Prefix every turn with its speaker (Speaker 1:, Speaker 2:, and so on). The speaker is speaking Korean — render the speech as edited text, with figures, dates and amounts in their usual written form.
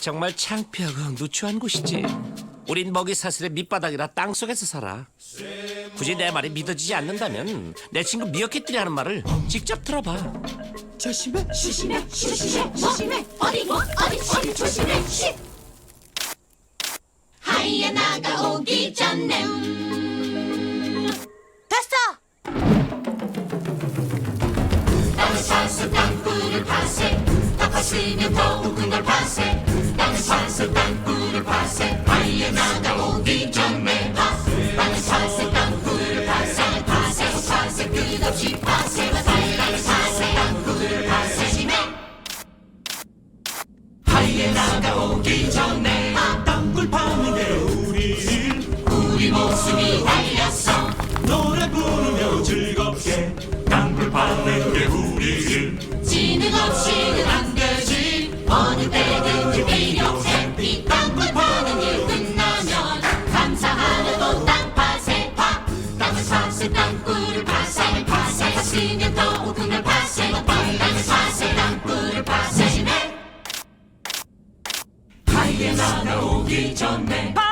Speaker 1: 정말 창피하고 누추한 곳이지. 우린 먹이 사슬의 밑바닥이라 땅속에서 살아. 굳이 내 말이 믿어지지 않는다면 내 친구 미어캣들이 하는 말을 직접 들어봐.
Speaker 2: 조심해.
Speaker 3: 어디 조심해. 하이에나가 오기 전에
Speaker 2: 됐어.
Speaker 3: 땅을 파서 땅굴을 파세 다 파시면 더욱은 걸 파세 땅을 파서 땅굴을 파세 하이에나가 오기 전에 땅을 파세 땅굴을 파세 파세 끝없이 파세 땅을 파세 땅굴을 파세 심해 하이에나가 오기 전에
Speaker 4: 땅굴 파는 게
Speaker 3: 우리 목숨이 달렸어
Speaker 4: 노래 부르며 즐겁게 땅굴 파는 게 우리 일.
Speaker 3: 지능 없이는 안 되지 어느 때든지 필요해 이 땅굴 파는 일 끝나면 감사하려 또 땅 파세 땅을 파세 땅굴을 파세 파시면 더욱은 걸 파세 땅을 파세 땅굴을 파세 심해
Speaker 4: 하이에나가 오기 전에